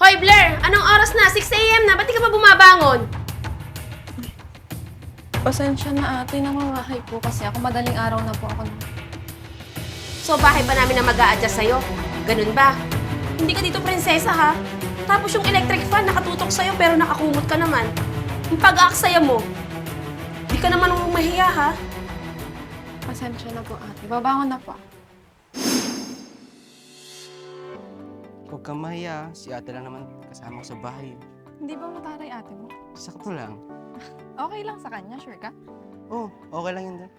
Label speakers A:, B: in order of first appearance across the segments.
A: Hoy Blair! Anong oras na? 6 AM na! Ba't di ka pa bumabangon?
B: Pasensya na ate, namamahay po kasi ako. Madaling araw na po ako.
A: So bahay pa namin na mag-a-adjust sa'yo. Ganun ba? Hindi ka dito prinsesa ha? Tapos yung electric fan nakatutok sa'yo pero nakakumot ka naman. Yung pag-aaksaya mo, di ka naman mahiya ha?
B: Pasensya na po ate. Babangon na po.
C: Huwag kang mahiya, si ate lang naman kasama ko sa bahay.
B: Hindi ba mataray ate mo?
C: Sakto lang.
B: Okay lang sa kanya, sure ka?
C: Oo, okay lang yun din.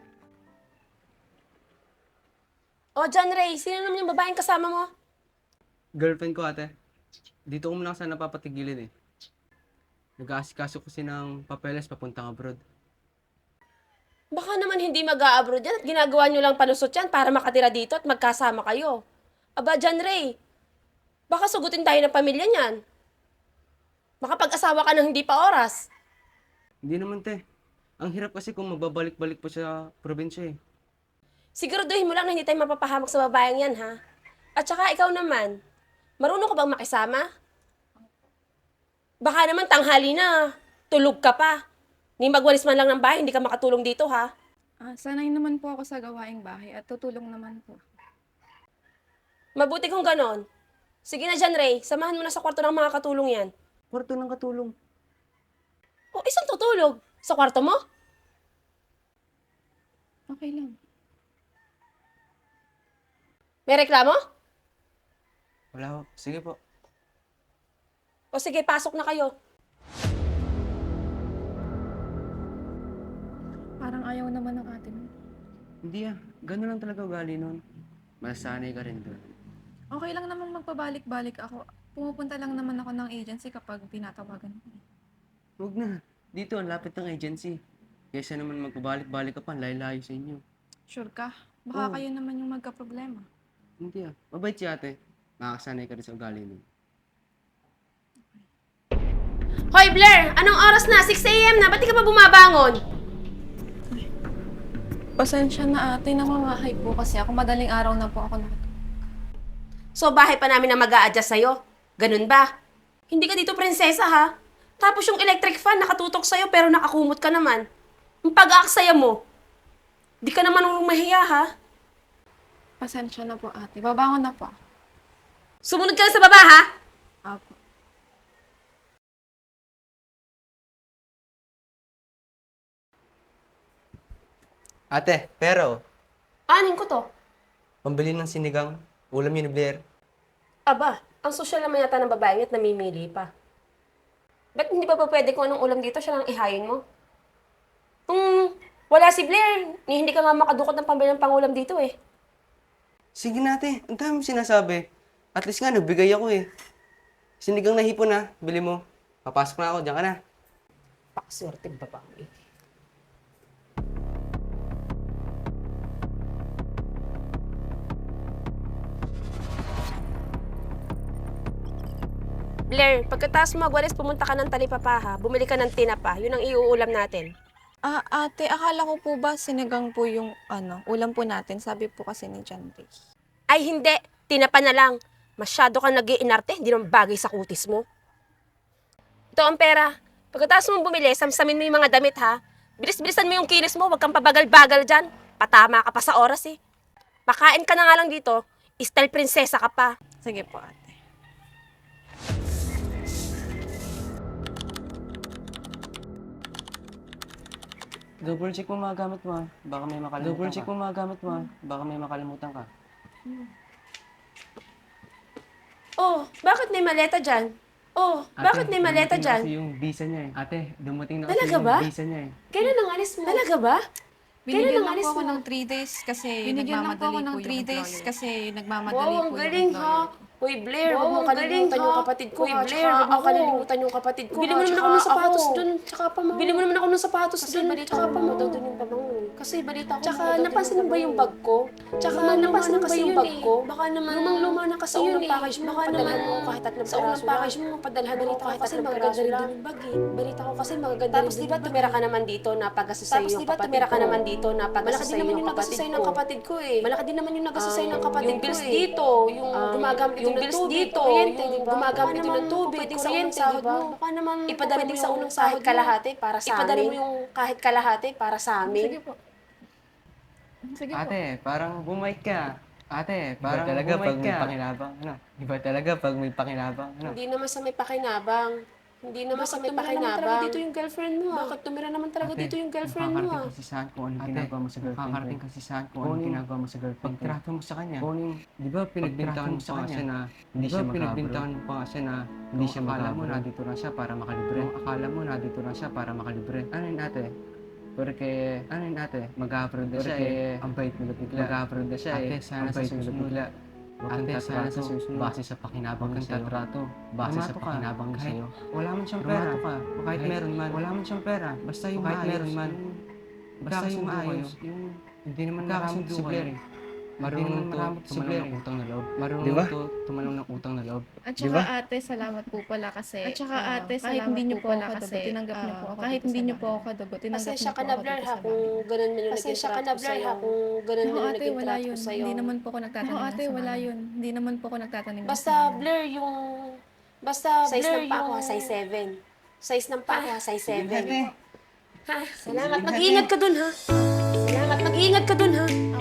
A: O John Ray, sino naman yung babaeng kasama mo?
C: Girlfriend ko ate. Dito ko muna sana napapatigilin eh. Nag-aasikaso kasi ng papeles papuntang abroad.
A: Baka naman hindi mag-a-abroad yan at ginagawa nyo lang panusot yan para makatira dito at magkasama kayo. Aba, John Ray, baka sugutin tayo ng pamilya niyan. Makapag-asawa ka ng hindi pa oras.
C: Hindi naman te. Ang hirap kasi kung mababalik-balik pa sa probinsya eh.
A: Siguraduhin mo lang na hindi tayo mapapahamak sa babayang yan, ha? At saka ikaw naman, marunong ka bang makisama? Baka naman tanghali na, tulog ka pa. Ni magwalis man lang ng bahay, hindi ka makatulong dito, ha?
B: Sanay naman po ako sa gawaing bahay at tutulong naman po.
A: Mabuti kung ganon. Sige na John Ray, samahan mo na sa kwarto ng mga katulong yan.
C: Kwarto ng katulong.
A: O, isang tutulog? Sa kwarto mo?
B: Okay lang.
A: May reklamo?
C: Wala ho. Sige po.
A: O sige, pasok na kayo.
B: Parang ayaw naman ng ate mo.
C: Hindi ah. Ganun lang talaga ugali nun. Masanay ka rin doon.
B: Okay lang naman magpabalik-balik ako. Pumupunta lang naman ako ng agency kapag tinatawagan ko.
C: Huwag na. Dito, ang lapit ng agency. Kaysa naman magpabalik-balik ka pa, layo-layo sa inyo.
B: Sure ka? Baka
C: Oo.
B: kayo naman yung magka-problema.
C: Hindi ah. Mabait si ate. Makakasanay ka rin sa ugali nun.
A: Hoy Blair, anong oras na? 6 AM na, ba't di ka pa bumabangon?
B: Pasensya na ate, namamahay po kasi ako. Madaling araw na po ako.
A: So bahay pa namin na mag-a-adjust sa'yo. Ganun ba? Hindi ka dito prinsesa ha? Tapos yung electric fan nakatutok sa'yo pero nakakumot ka naman. Yung pag-aaksaya mo, di ka naman mahiya ha?
B: Pasensya na po ate. Babangon na po.
A: Sumunod ka na sa baba ha?
B: Apo.
C: Ate, pero,
A: Anin ko to?
C: pambili ng sinigang, ulam yun ni Blair.
A: Aba, ang sosyal naman yata ng babae at namimili pa. Ba't hindi pa pwede kung anong ulam dito siya lang ihayin mo? Kung wala si Blair, hindi ka nga makadukot ng pambili ng pangulam dito eh.
C: Sige na ate, ang dami sinasabi. At least nga, nagbigay ako eh. Sinigang na hipon na, bili mo. Papasok na ako, diyan ka na.
A: Pakaswerte babae. Blair, pagkatapos mo magwalis, pumunta ka ng Talipapa, bumili ka ng tinapa. Yun ang iuulam natin.
B: Ate, akala ko po ba sinigang po yung ulam po natin? Sabi po kasi ni John Ray.
A: Ay hindi, tinapa na lang. Masyado kang nag-iinarte, hindi naman bagay sa kutis mo. Ito ang pera. Pagkatapos mo bumili, samsamin mo yung mga damit ha. Bilis-bilisan mo yung kinis mo, huwag kang pabagal-bagal dyan. Patama ka pa sa oras eh. Pakain ka na nga lang dito, style prinsesa ka pa.
B: Sige po ate.
C: Double check mo mga gamit mo ah. Baka may makalimutan ka. Double check mo mga gamit mo ah. Baka may makalimutan ka.
A: Oh, bakit may maleta dyan? Oh, bakit may maleta
C: dumating na kasi
A: dyan?
C: yung visa niya eh. Ate, dumating na
A: Talaga
C: kasi yung
A: ba?
C: visa niya eh.
A: Kailan ang alis mo? Talaga ba?
B: Binigyan
A: ang
B: lang
A: alis
B: po ako
A: mo?
B: ng 3 days kasi
D: Binigyan lang po ako
B: nagmamadali
D: ng
B: po
D: 3
B: yung
D: days
B: employer.
D: kasi nagmamadali
A: Wow, ang
D: po
A: galing
D: yung
A: ha.
D: employer.
A: Uy, Blair,
D: Wow,
A: huwag mo
D: ang galing,
A: kalilimutan
D: ha.
A: yung kapatid ko. Uy,
D: Tsaka
A: Blair, huwag mo
D: ako.
A: kalilimutan yung kapatid ko. Bili mo naman
D: Tsaka
A: ako ng sapatos
D: ako.
A: dun. Tsaka pa mo. Bili mo naman ako ng sapatos
D: Kasi
A: dun.
D: balita
A: Tsaka
D: ko
A: pa mo daw dun yung pabango. Kasi balita ko.
D: Tsaka,
A: magaganda
D: napansin mo ba yung
A: bag ko? Tsaka napansin mo ba yung bag ko?
D: Baka naman,
A: Lumang-luma na kasi
D: sa
A: yun
D: unang
A: eh.
D: package mo,
A: Baka
D: padalhan
A: naman,
D: mo kahit 3
A: sa unang
D: piraso
A: package
D: lang.
A: mo, padalhan mo
D: Balita ko
A: kahit
D: kasi
A: 3
D: magaganda
A: piraso
D: rin
A: lang.
D: din yung bag eh. Balita ko kasi magaganda
A: Tapos
D: rin
A: di
D: din
A: ba
D: yung bag
A: tumira
D: eh.
A: ka naman dito na paggastos sa'yo
D: Tapos
A: yung
D: di ba
A: kapatid
D: tumira ka
A: ko?
D: naman dito na
A: Malaki
D: paggastos
A: din
D: sa'yo
A: naman
D: yung
A: yung nagastos sa'yo ng kapatid ko eh.
D: Malaki din naman yung nagastos sa'yo ng kapatid
A: Yung
D: ko
A: bills
D: eh.
A: dito, yung gumagamit
D: yung
A: ito ng
D: bills
A: tubig,
D: dito,
A: kuryente,
D: yung
A: di ba?
D: gumagamit
A: Baka
D: ito ng
A: naman
D: tubig,
A: pwedeng sa
D: kuryente,
A: unang sahod
D: di ba?
A: mo. Baka naman
D: Ipadala mo
A: pwedeng
D: yung
A: sa unang
D: kahit
A: sahod mo.
D: kalahati para sa
A: Ipadala
D: amin.
A: mo yung kahit kalahati para sa amin.
B: Sige po. Sige po.
C: Ate, parang bumait ka. Ate,
E: Iba
C: parang
E: talaga
C: bumait
E: pag may
C: ka.
E: pakinabang, ano? Iba talaga pag may pakinabang, ano?
A: Hindi naman sa may pakinabang. Hindi naman sa may pakinabang. Dito yung girlfriend mo ah. Bakit tumira naman talaga dito yung girlfriend mo ah?
E: Makakarating kasi saan kung anong ginagawa mo sa girlfriend ko.
C: Makakarating kasi saan kung
E: Kung
C: anong
E: anong
C: ginagawa mo sa girlfriend ko.
E: Pagtrato mo sa kanya.
C: Kung anong,
E: Di ba pinagbintangan mo
C: pinagbintangan
E: sa kanya na
C: hindi siya
E: pinagbintangan
C: magkabro.
E: mo pa nga siya na
C: Hindi
E: hindi
C: siya
E: siya
C: akala mo
E: magkabro.
C: nandito lang siya para makalibre.
E: Kung akala mo nandito lang siya para makalibre.
C: Ano yun ate?
E: Porque,
C: Ano yun ate?
E: mag-upload na siya
C: Porque
E: eh. Ang bait mo na bigla.
C: Mag-upload na siya eh.
E: Ate, sana
C: Ang
E: sa
C: bait mo na
E: susunod.
C: bigla.
E: Huwag kang
C: Ate, sana
E: tatrato
C: sa susunod.
E: base sa pakinabang
C: Huwag
E: niya
C: kang
E: sa'yo.
C: tatrato.
E: Base sa
C: Pumato ka.
E: pakinabang niya
C: Kahit
E: sa'yo.
C: wala man siyang pera.
E: Pumato ka.
C: Kahit meron man.
E: Wala man siyang pera.
C: Basta yung
E: Kahit
C: maayos.
E: meron man.
C: Basta yung maayos.
E: Yung
C: Hindi naman
E: magkakasundo
C: maramot si
E: kayo.
C: Blair eh.
E: Marunong
C: naman
E: to
C: maramot si
E: tumalong
C: Blair
E: ng
C: eh.
E: utang na loob.
C: Marunong
E: Di ba?
C: to tumalong ng utang na loob.
B: At
E: Di
B: saka
E: ba?
B: ate, salamat po pala kasi.
F: At saka ate,
B: kahit
F: salamat
B: hindi niyo
F: po
B: po
F: pala
B: ako
F: kasi,
B: kadagot, tinanggap niyo po ako
F: kahit
B: dito
F: hindi
B: sa
F: niyo po
B: bahay.
F: ako kadagot, tinanggap
A: Pasensya
F: niyo
A: ka
F: po
A: na
F: ako
A: Blair
F: dito
A: ha
F: sa
A: kung
F: bahay.
A: ganun man yung naging
D: Pasensya ka
A: trato
D: na
A: ko
D: Blair
A: sa'yo.
D: ha kung ganun
B: Oo
D: man yung
B: ate,
D: naging
B: wala
D: trato ko
B: yun.
D: sa'yo.
B: Hindi naman po ako nagtatanim
F: Oo
B: ng
F: ate,
B: sama.
F: wala yun. Hindi naman po ako nagtatanim ng
A: Basta
F: sama.
A: Blair yung... Basta
D: Size
A: Blair
D: ng paa ko
A: yung...
D: ha, size 7. Size ng paa ko ha, size 7.
C: Ate.
A: Ha, salamat. Mag-iingat ka dun ha. Salamat. Mag-iingat ka dun ha.